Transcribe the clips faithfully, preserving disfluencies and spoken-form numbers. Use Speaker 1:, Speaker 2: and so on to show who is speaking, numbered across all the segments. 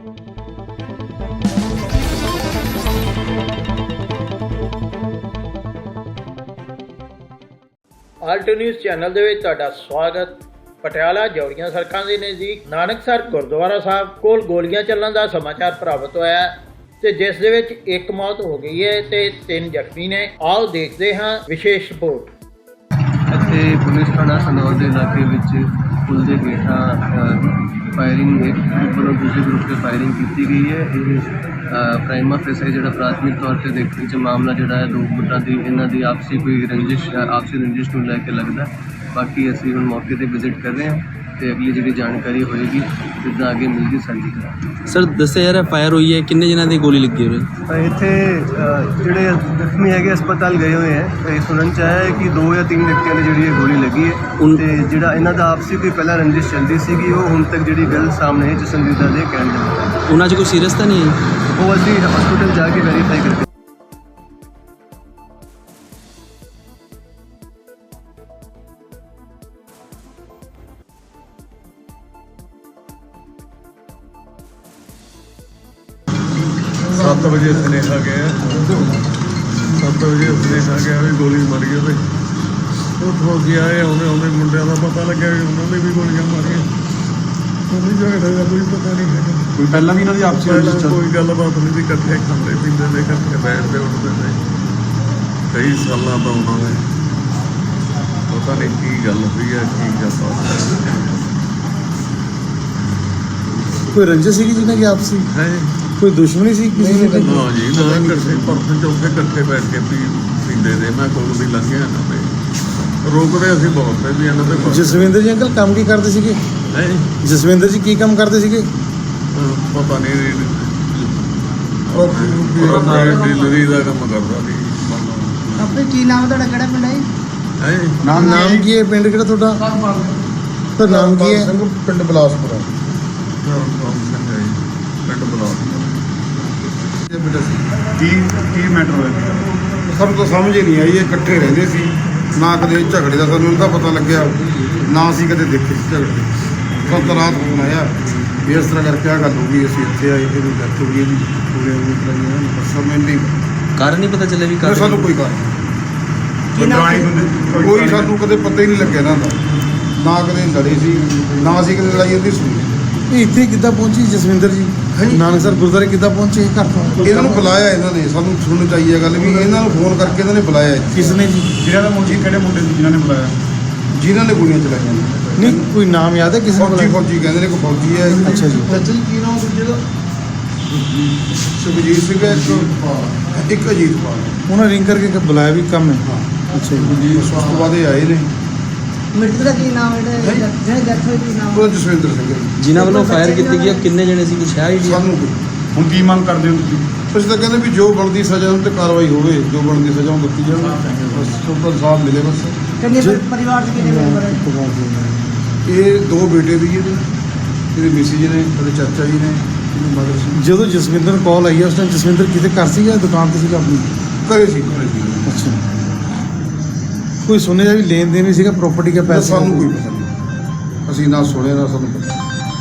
Speaker 1: ਆਲਟ news channel ਦੇ ਵਿੱਚ ਤੁਹਾਡਾ ਸਵਾਗਤ। ਪਟਿਆਲਾ ਜੌੜੀਆਂ ਸੜਕਾਂ ਦੇ ਨਜ਼ਦੀਕ ਨਾਨਕਸਰ ਗੁਰਦੁਆਰਾ ਸਾਹਿਬ ਕੋਲ ਗੋਲੀਆਂ ਚੱਲਣ ਦਾ ਸਮਾਚਾਰ ਪ੍ਰਾਪਤ ਹੋਇਆ ਹੈ ਤੇ ਜਿਸ ਦੇ ਵਿੱਚ ਇੱਕ ਮੌਤ ਹੋ ਗਈ ਹੈ ਤੇ ਤਿੰਨ ਜ਼ਖਮੀ ਨੇ। ਆਓ ਦੇਖਦੇ ਹਾਂ ਵਿਸ਼ੇਸ਼ ਰਿਪੋਰਟ।
Speaker 2: ਇੱਥੇ ਪੁਲਿਸ ਥਾਣਾ ਸਨੌਰ ਦੇ ਇਲਾਕੇ ਵਿੱਚ ਪੁਲ ਦੇ ਹੇਠਾਂ ਫਾਇਰਿੰਗ ਇੱਕ ਗਰੁੱਪ ਵੱਲੋਂ ਦੂਸਰੇ ਗਰੁੱਪ 'ਤੇ ਫਾਇਰਿੰਗ ਕੀਤੀ ਗਈ ਹੈ। ਇਹ ਪ੍ਰਾਈਮਾ ਫੇਸ ਜਿਹੜਾ ਪ੍ਰਾਥਮਿਕ ਤੌਰ 'ਤੇ ਦੇਖਣ 'ਚ ਮਾਮਲਾ ਜਿਹੜਾ ਹੈ ਦੋ ਗੁੱਟਾਂ ਦੀ ਇਹਨਾਂ ਦੀ ਆਪਸੀ ਕੋਈ ਰੰਜਿਸ਼ ਆਪਸੀ ਰੰਜਿਸ਼ ਨੂੰ ਲੈ ਕੇ ਲੱਗਦਾ। ਬਾਕੀ ਅਸੀਂ ਹੁਣ ਮੌਕੇ 'ਤੇ ਵਿਜ਼ਿਟ ਕਰ ਰਹੇ ਹਾਂ ਅਤੇ ਅਗਲੀ ਜਿਹੜੀ ਜਾਣਕਾਰੀ ਹੋਏਗੀ ਜਿੱਦਾਂ ਅੱਗੇ ਮਿਲਦੀ ਸਾਂਝੀ ਕਰਾਂਗੇ।
Speaker 3: ਸਰ ਦੱਸਿਆ ਜਾ ਰਿਹਾ ਫਾਇਰ ਹੋਈ ਹੈ, ਕਿੰਨੇ ਜਣਾਂ ਦੀ ਗੋਲੀ ਲੱਗੀ ਹੋਈ?
Speaker 2: ਇੱਥੇ ਜਿਹੜੇ ਜ਼ਖਮੀ ਹੈਗੇ ਹਸਪਤਾਲ ਗਏ ਹੋਏ ਹੈ। ਇਹ ਸੁਣਨ 'ਚ ਆਇਆ ਹੈ ਕਿ ਦੋ ਜਾਂ ਤਿੰਨ ਵਿਅਕਤੀਆਂ ਦੀ ਜਿਹੜੀ ਇਹ ਗੋਲੀ ਲੱਗੀ ਹੈ ਅਤੇ ਜਿਹੜਾ ਇਹਨਾਂ ਦਾ ਆਪਸੀ ਕੋਈ ਪਹਿਲਾਂ ਰੰਜਿਸ਼ ਚੱਲਦੀ ਸੀਗੀ ਉਹ ਹੁਣ ਤੱਕ ਜਿਹੜੀ ਗੱਲ ਸਾਹਮਣੇ ਹੈ ਜਸਨਦੀਦਾ ਦੇ ਕਹਿਣ ਦੇ ਮੁਤਾਬਿਕ।
Speaker 3: ਉਹਨਾਂ 'ਚ ਕੋਈ ਸੀਰੀਅਸ ਤਾਂ ਨਹੀਂ ਹੈ?
Speaker 2: ਉਹ ਅਸੀਂ ਹਸਪੀਟਲ ਜਾ ਕੇ ਵੈਰੀਫਾਈ ਕਰਕੇ
Speaker 4: ਸੱਤ ਵਜੇ ਸੁਨੇਹਾ ਗਿਆ ਸੱਤ ਵਜੇ ਸੁਨੇਹਾ ਗਿਆ ਵੀ ਗੋਲੀ ਮਾਰੀ ਉਹਦੇ ਉੱਥੋਂ ਅਸੀਂ ਆਏ ਆਉਂਦੇ ਆਉਂਦੇ ਮੁੰਡਿਆਂ ਦਾ ਪਤਾ ਲੱਗਿਆ ਕਿ ਉਹਨਾਂ ਨੇ ਵੀ ਗੋਲੀਆਂ ਮਾਰੀਆਂ। ਕੋਈ ਝਗੜੇ ਦਾ ਕੋਈ ਪਤਾ ਨਹੀਂ ਹੈਗਾ।
Speaker 5: ਕੋਈ ਪਹਿਲਾਂ ਵੀ ਇਹਨਾਂ ਦੀ ਆਪਸੀ
Speaker 4: ਪਹਿਲਾਂ ਕੋਈ ਗੱਲਬਾਤ ਨਹੀਂ ਸੀ। ਇਕੱਠੇ ਖਾਂਦੇ ਪੀਂਦੇ ਨੇ, ਇਕੱਠੇ ਬੈਠਦੇ ਉੱਠਦੇ ਨੇ ਕਈ ਸਾਲਾਂ ਤੋਂ ਉਹਨਾਂ ਦੇ ਪਤਾ ਨਹੀਂ ਕੀ ਗੱਲ ਹੋਈ ਹੈ ਕੀ ਗੱਲਬਾਤ
Speaker 5: ਕੋਈ ਰੰਜਿਸ਼ ਸੀਗੀ ਜਿਹਨਾਂ ਦੀ ਆਪਸੀ
Speaker 4: ਹੈ।
Speaker 5: ਕੋਈ ਦੁਸ਼ਮਣੀ ਸੀ ਕਿਸੇ ਨੇ?
Speaker 4: ਨਾ ਜੀ ਨਾ, ਇਕੱਠੇ ਪਰਸਨ ਚੌਕੇ ਇਕੱਠੇ ਬੈਠ ਕੇ ਪੀ ਪੀਂਦੇ ਦੇ। ਮੈਂ ਕੋਲ ਦੀ ਲੰਘਿਆ ਇਹਨਾਂ ਤੇ ਰੋਕਦੇ ਅਸੀਂ ਬਹੁਤ ਤੇ ਵੀ ਇਹਨਾਂ ਦੇ।
Speaker 5: ਜਸਵਿੰਦਰ ਜੀ ਅੰਕਲ ਕੰਮ ਕੀ ਕਰਦੇ ਸੀਗੇ?
Speaker 4: ਹੈ
Speaker 5: ਜਸਵਿੰਦਰ ਜੀ ਕੀ ਕੰਮ ਕਰਦੇ ਸੀਗੇ?
Speaker 4: ਪਤਾ ਨਹੀਂ ਡਿਲੀਵਰੀ ਦਾ ਕੰਮ ਕਰਦਾ ਸੀ।
Speaker 6: ਆਪਣੇ ਕੀ ਨਾਮ ਤੁਹਾਡਾ, ਕਿਹੜਾ ਪਿੰਡ ਹੈ?
Speaker 4: ਹੈ
Speaker 5: ਨਾਮ ਨਾਮ ਕੀ ਹੈ? ਪਿੰਡ ਕਿਹੜਾ ਤੁਹਾਡਾ? ਤਾਂ ਨਾਮ ਕੀ ਹੈ?
Speaker 7: ਪਿੰਡ ਬਲਾਸਪੁਰ
Speaker 4: ਪਿੰਡ ਬਲਾਸਪੁਰ।
Speaker 7: ਕੀ ਕੀ ਮੈਟਰ ਹੋਇਆ? ਸਾਨੂੰ ਤਾਂ ਸਮਝ ਹੀ ਨਹੀਂ ਆਈ। ਇਹ ਇਕੱਠੇ ਰਹਿੰਦੇ ਸੀ, ਨਾ ਕਦੇ ਝਗੜੇ ਦਾ ਸਾਨੂੰ ਇਹਦਾ ਪਤਾ ਲੱਗਿਆ, ਨਾ ਅਸੀਂ ਕਦੇ ਦੇਖੇ ਝਗੜੇ। ਸਾਨੂੰ ਤਾਂ ਰਾਤ ਫੋਨ ਆਇਆ ਵੀ ਇਸ ਤਰ੍ਹਾਂ ਕਰਕੇ ਆਹ ਗੱਲ ਹੋ ਗਈ। ਅਸੀਂ ਇੱਥੇ ਆਏ, ਇਹਨੂੰ ਡੈਥ ਹੋ ਗਈ ਇਹਦੀ ਪੂਰੇ ਸਮਝ ਨਹੀਂ
Speaker 3: ਕਾਰਨ ਨਹੀਂ ਪਤਾ ਚੱਲਿਆ ਵੀ ਕਾਰਨ?
Speaker 7: ਸਾਨੂੰ ਕੋਈ ਕਾਰਨ ਕੋਈ ਸਾਨੂੰ ਕਦੇ ਪਤਾ ਹੀ ਨਹੀਂ ਲੱਗਿਆ ਇਹਨਾਂ ਦਾ। ਨਾ ਕਦੇ ਲੜੇ ਸੀ, ਨਾ ਅਸੀਂ ਕਦੇ ਲੜਾਈ ਇਹਦੀ ਸੁਣੀ।
Speaker 5: ਇਹ ਇੱਥੇ ਕਿੱਦਾਂ ਪਹੁੰਚੀ ਜਸਵਿੰਦਰ ਜੀ? ਨਾਨਕਸਰ ਗੁਰਦੁਆਰੇ ਕਿੱਦਾਂ ਪਹੁੰਚੇ ਘਰ ਤੋਂ?
Speaker 7: ਇਹਨਾਂ ਨੂੰ ਬੁਲਾਇਆ ਇਹਨਾਂ ਨੇ, ਸਾਨੂੰ ਸੁਣਨੀ ਚਾਹੀਦੀ ਹੈ ਗੱਲ ਵੀ ਇਹਨਾਂ ਨੂੰ ਫੋਨ ਕਰਕੇ ਇਹਨਾਂ ਨੇ ਬੁਲਾਇਆ।
Speaker 5: ਕਿਸ ਨੇ ਜੀ?
Speaker 7: ਜਿਹਨਾਂ ਦਾ ਮੁੰਡੇ ਕਿਹੜੇ ਮੁੰਡੇ ਸੀ ਜਿਨ੍ਹਾਂ ਨੇ ਬੁਲਾਇਆ? ਜਿਨ੍ਹਾਂ ਨੇ ਗੋਲੀਆਂ ਚਲਾਈਆਂ ਨੇ।
Speaker 5: ਨਹੀਂ ਕੋਈ ਨਾਮ ਯਾਦ ਹੈ ਕਿਸੇ ਨੂੰ?
Speaker 7: ਫੌਜੀ ਫੌਜੀ ਕਹਿੰਦੇ ਨੇ, ਕੋਈ ਫੌਜੀ ਹੈ।
Speaker 5: ਅੱਛਾ ਜੀ।
Speaker 7: ਚਾਚਾ ਜੀ ਕੀ ਨਾਮ ਦੂਜੇ ਦਾ? ਸੁਖਜੀਤ ਸਿੰਘ ਹੈ ਇੱਕ, ਇੱਕ ਅਜੀਤ ਪਾਲ।
Speaker 5: ਉਹਨਾਂ ਰਿੰਗ ਕਰਕੇ ਬੁਲਾਇਆ ਵੀ ਕੰਮ ਹੈ?
Speaker 7: ਹਾਂ
Speaker 5: ਅੱਛਾ ਜੀ।
Speaker 7: ਉਸ ਤੋਂ ਬਾਅਦ ਇਹ ਆਏ ਨੇ।
Speaker 6: ਮ੍ਰਿਤਕ ਦਾ ਕੀ ਨਾਮ ਹੈ? ਜਿਹੜੇ ਡੈਥ ਹੋਈ ਕੀ ਨਾਮ?
Speaker 7: ਉਹਦਾ ਜਸਵਿੰਦਰ ਸਿੰਘ ਹੈ।
Speaker 3: ਜਿਨ੍ਹਾਂ ਵੱਲੋਂ ਫਾਇਰ ਕੀਤੀ ਗਈ ਕਿੰਨੇ ਜਣੇ ਸੀ? ਕੁਛ ਹੈ ਆਈਡੀਆ?
Speaker 7: ਸਾਨੂੰ ਕੋਈ
Speaker 5: ਹੁਣ ਕੀ ਮੰਗ ਕਰਦੇ ਹੋ ਤੁਸੀਂ?
Speaker 7: ਅਸੀਂ ਤਾਂ ਕਹਿੰਦੇ ਵੀ ਜੋ ਬਣਦੀ ਸਜ਼ਾ ਉਹਨਾਂ 'ਤੇ ਕਾਰਵਾਈ ਹੋਵੇ, ਜੋ ਬਣਦੀ ਸਜ਼ਾ ਉਹ ਦਿੱਤੀ ਜਾਵੇ, ਬਸ ਤੋਂ ਇਨਸਾਫ ਮਿਲੇ ਬਸ।
Speaker 6: ਕਿੰਨੇ ਪਰਿਵਾਰ 'ਚ ਕਿੰਨੇ ਮੈਂਬਰ ਹੈ?
Speaker 7: ਇਹ ਦੋ ਬੇਟੇ ਵੀ ਇਹਦੇ, ਇਹਦੇ ਮਿਸੀ ਜੀ ਨੇ, ਇਹਦੇ ਚਾਚਾ ਜੀ ਨੇ, ਇਹਦੀ ਮਦਰ ਸੀ।
Speaker 5: ਜਦੋਂ ਜਸਵਿੰਦਰ ਨੂੰ ਕਾਲ ਆਈ ਉਸ ਟਾਈਮ ਜਸਵਿੰਦਰ ਕਿਤੇ ਘਰ ਸੀਗਾ, ਦੁਕਾਨ ਤੇ ਸੀਗਾ ਆਪਣੀ?
Speaker 7: ਘਰੇ ਸੀ ਘਰੇ ਸੀ।
Speaker 5: ਅੱਛਾ। ਕੋਈ ਸੁਣਿਆ ਵੀ ਲੈਣ ਦੇਣ ਵੀ ਸੀਗਾ ਪ੍ਰੋਪਰਟੀ ਦਾ ਪੈਸਾ?
Speaker 7: ਸਾਨੂੰ ਕੋਈ ਪਤਾ ਨਹੀਂ, ਅਸੀਂ ਨਾ ਸੁਣਿਆ ਨਾ ਸਾਨੂੰ ਪਤਾ।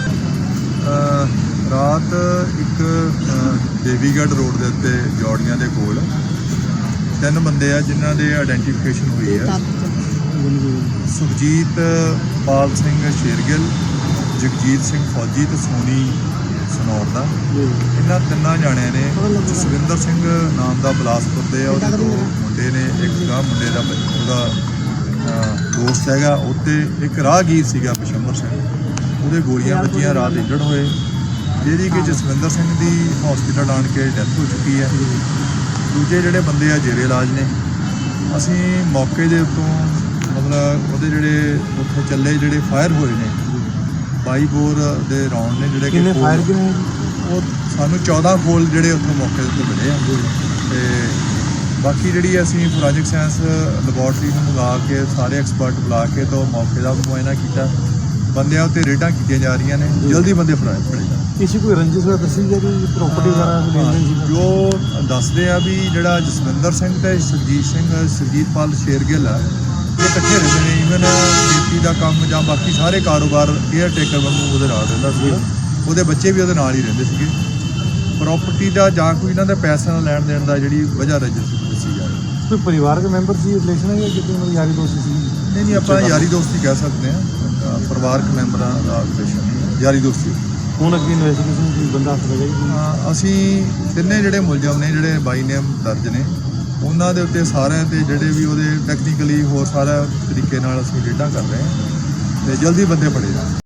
Speaker 8: ਰਾਤ ਇੱਕ ਦੇਵੀਗੜ੍ਹ ਰੋਡ ਦੇ ਉੱਤੇ ਜੌੜੀਆਂ ਦੇ ਕੋਲ ਤਿੰਨ ਬੰਦੇ ਆ ਜਿਨ੍ਹਾਂ ਦੇ ਆਇਡੈਂਟੀਫਿਕੇਸ਼ਨ ਹੋਈ ਹੈ। ਸੁਖਜੀਤ ਪਾਲ ਸਿੰਘ ਸ਼ੇਰਗਿੱਲ, ਜਗਜੀਤ ਸਿੰਘ ਫੌਜੀ ਤੇ ਸੋਨੀ ਸਨੌਰ ਦਾ। ਇਹਨਾਂ ਤਿੰਨਾਂ ਜਾਣਿਆਂ ਨੇ ਜਸਵਿੰਦਰ ਸਿੰਘ ਨਾਮ ਦਾ ਬਲਾਸਪੁਰ ਦੇ ਆ, ਉਹਦੇ ਦੋ ਮੁੰਡੇ ਨੇ, ਇੱਕ ਗਾਂ ਮੁੰਡੇ ਦਾ ਉਹਦਾ ਦੋਸਤ ਹੈਗਾ, ਉੱਤੇ ਇੱਕ ਰਾਹਗੀਰ ਸੀਗਾ ਪਸ਼ੰਬਰ ਸਿੰਘ, ਉਹਦੇ ਗੋਲੀਆਂ ਵੱਜੀਆਂ, ਰਾਤ ਇੰਜਰਡ ਹੋਏ, ਜਿਹਦੀ ਕਿ ਜਸਵਿੰਦਰ ਸਿੰਘ ਦੀ ਹਸਪੀਟਲ ਆਣ ਕੇ ਡੈਥ ਹੋ ਚੁੱਕੀ ਹੈ। ਦੂਜੇ ਜਿਹੜੇ ਬੰਦੇ ਆ ਜੇਰੇ ਇਲਾਜ ਨੇ। ਅਸੀਂ ਮੌਕੇ ਦੇ ਉੱਤੋਂ ਮਤਲਬ ਉਹਦੇ ਜਿਹੜੇ ਉੱਥੇ ਚੱਲੇ ਜਿਹੜੇ ਫਾਇਰ ਹੋਏ ਨੇ ਬਾਈ ਬੋਰ ਦੇ ਰਾਉਂਡ ਨੇ ਜਿਹੜੇ
Speaker 5: ਕਿੰਨੇ ਫਾਇਰ ਕਿੰਨੇ?
Speaker 8: ਉਹ ਸਾਨੂੰ ਚੌਦਾਂ ਖੋਲ ਜਿਹੜੇ ਉੱਥੋਂ ਮੌਕੇ ਦੇ ਉੱਤੇ ਮਿਲੇ ਆ। ਅਤੇ ਬਾਕੀ ਜਿਹੜੀ ਅਸੀਂ ਫੋਰੈਂਸਿਕ ਸਾਇੰਸ ਲੈਬੋਰਟਰੀ ਨੂੰ ਮੰਗਾ ਕੇ ਸਾਰੇ ਐਕਸਪਰਟ ਬੁਲਾ ਕੇ ਤੋਂ ਮੌਕੇ ਦਾ ਮੁਆਇਨਾ ਕੀਤਾ। ਬੰਦਿਆਂ ਉੱਤੇ ਰੇਡਾਂ ਕੀਤੀਆਂ ਜਾ ਰਹੀਆਂ ਨੇ, ਜਲਦੀ ਬੰਦੇ ਫੜਾਏ ਫੜੇ ਜਾਣ।
Speaker 5: ਕਿਸੇ ਕੋਈ ਰੰਜਿਸ਼ ਹੋਇਆ ਦੱਸੀ ਜਾ ਰਹੀ ਪ੍ਰੋਪਰਟੀ ਵਗੈਰਾ ਸੀ?
Speaker 8: ਜੋ ਦੱਸਦੇ ਆ ਵੀ ਜਿਹੜਾ ਜਸਵਿੰਦਰ ਸਿੰਘ ਤੇ ਸੁਰਜੀਤ ਸਿੰਘ ਸੁਰਜੀਤਪਾਲ ਸ਼ੇਰਗਿੱਲ ਆ, ਇਹ ਇਕੱਠੇ ਰਹਿੰਦੇ ਨੇ। ਈਵਨ ਖੇਤੀ ਦਾ ਕੰਮ ਜਾਂ ਬਾਕੀ ਸਾਰੇ ਕਾਰੋਬਾਰ ਕੇਅਰ ਟੇਕਰ ਵਾਂਗੂ ਉਹਦੇ ਨਾਲ ਰਹਿੰਦਾ ਸੀ। ਉਹਦੇ ਬੱਚੇ ਵੀ ਉਹਦੇ ਨਾਲ ਹੀ ਰਹਿੰਦੇ ਸੀਗੇ। ਪ੍ਰਾਪਰਟੀ ਦਾ ਜਾਂ ਕੋਈ ਇਹਨਾਂ ਦੇ ਪੈਸਿਆਂ ਦਾ ਲੈਣ ਦੇਣ ਦਾ ਜਿਹੜੀ ਵਜ੍ਹਾ ਰਜਿਸ ਦੱਸੀ ਜਾ ਰਹੀ ਹੈ।
Speaker 5: ਕੋਈ ਪਰਿਵਾਰਕ ਮੈਂਬਰ ਸੀ ਰਿਲੇਸ਼ਨ ਹੈ ਜਾਂ ਕਿਤੇ ਉਹਨਾਂ ਦੀ ਯਾਰੀ ਦੋਸਤੀ ਸੀ?
Speaker 8: ਨਹੀਂ ਨਹੀਂ ਆਪਾਂ ਯਾਰੀ ਦੋਸਤੀ ਕਹਿ ਸਕਦੇ ਹਾਂ, ਅ, ਪਰਿਵਾਰਕ ਮੈਂਬਰਾਂ ਦਾ ਰਿਲੇਸ਼ਨ ਨਹੀਂ, ਯਾਰੀ ਦੋਸਤੀ।
Speaker 5: ਹੁਣ ਅੱਗੇ ਇਨਵੈਸਟੀਗੇਸ਼ਨ ਕੀ ਬੰਦਾ ਹੱਥ ਲੱਗਾ ਜੀ?
Speaker 8: ਹਾਂ, ਅਸੀਂ ਤਿੰਨੇ ਜਿਹੜੇ ਮੁਲਜ਼ਮ ਨੇ ਜਿਹੜੇ ਬਾਈ ਨੇਮ ਦਰਜ ਨੇ ਉਹਨਾਂ ਦੇ ਉੱਤੇ ਸਾਰਿਆਂ ਤੇ ਜਿਹੜੇ ਵੀ ਉਹਦੇ ਟੈਕਨੀਕਲੀ ਹੋਰ ਸਾਰਾ ਤਰੀਕੇ ਨਾਲ ਅਸੀਂ ਰੇਡਾਂ ਕਰ ਰਹੇ ਹਾਂ ਤੇ ਜਲਦੀ ਬੰਦੇ ਫੜੇ ਜਾਣ।